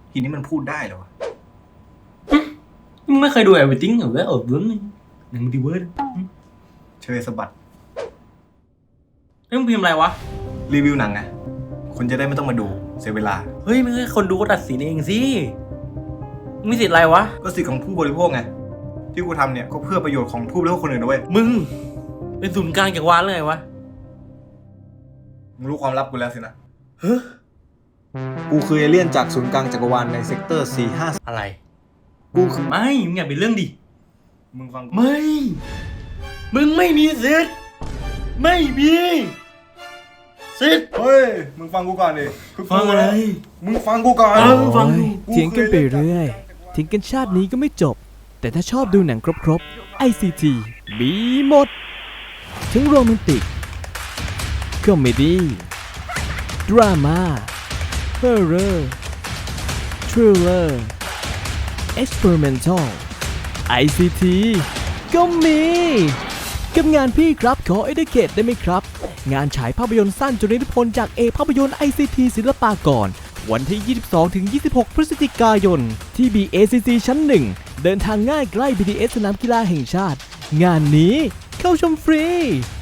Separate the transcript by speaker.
Speaker 1: ทีนี้มันพูดได้เหรอวะ
Speaker 2: มึงไม่เคยดูEverythingหรือว่าเรื่องหนังมัลติเวิร์ส
Speaker 1: เชยสะบัด
Speaker 2: เฮ้ยมึงพิมพ์อะไรวะ
Speaker 1: รีวิวหนังไงคนจะได้ไม่ต้องมาดูเสียเวลา
Speaker 2: เฮ้ยมึงให้คนดูก็ตัดสินเองสิมึงมีสิทธิ์อะไรวะ
Speaker 1: ก็สิทธิ์ของผู้บริโภคไงที่กูทำเนี่ยก็เพื่อประโยชน์ของผู้บริโภคคนอื่นด้วย
Speaker 2: มึงเป็นศูนย์กลางจักรวาลเลยไงวะ
Speaker 1: มึงรู้ความลับกูแล้วสินะ
Speaker 2: เฮ้ย
Speaker 1: กูคือเอเลี่ยนจากศูนย์กลางจักรวาลในเซกเตอร์
Speaker 2: อะไร
Speaker 1: กูคือ
Speaker 2: ไม่มึงอย่าเป็นเรื่องดิ
Speaker 1: มึงฟังกู
Speaker 2: ไม่มึงไม่มีสิทธิ์ไม่มีสิทธิ์
Speaker 1: เฮ้ยมึงฟังกูก่อนดิคือ
Speaker 2: ฟังอะไร
Speaker 1: มึงฟังกูก่อน
Speaker 2: ฟังดู
Speaker 3: เถียงกันไปเรื่อยทิ้งกันชาตินี้ก็ไม่จบ แต่ถ้าชอบดูหนังครบๆ ICT มีหมด ทั้งโรแมนติก คอมเมดี้ ดราม่า ฮอร์เรอร์ ทริลเลอร์ เอ็กซ์เพร์เมนทัล ICT ก็มี กับงานพี่ครับขอ Educate ได้ไหมครับ งานฉายภาพยนตร์สั้นจุลนิพนธ์จากภาพยนตร์ ICT ศิลปากร วันที่ 22-26 พฤศจิกายน ที่ BACC ชั้น 1 เดินทางง่ายใกล้ BTS สนามกีฬาแห่งชาติ งานนี้เข้าชมฟรี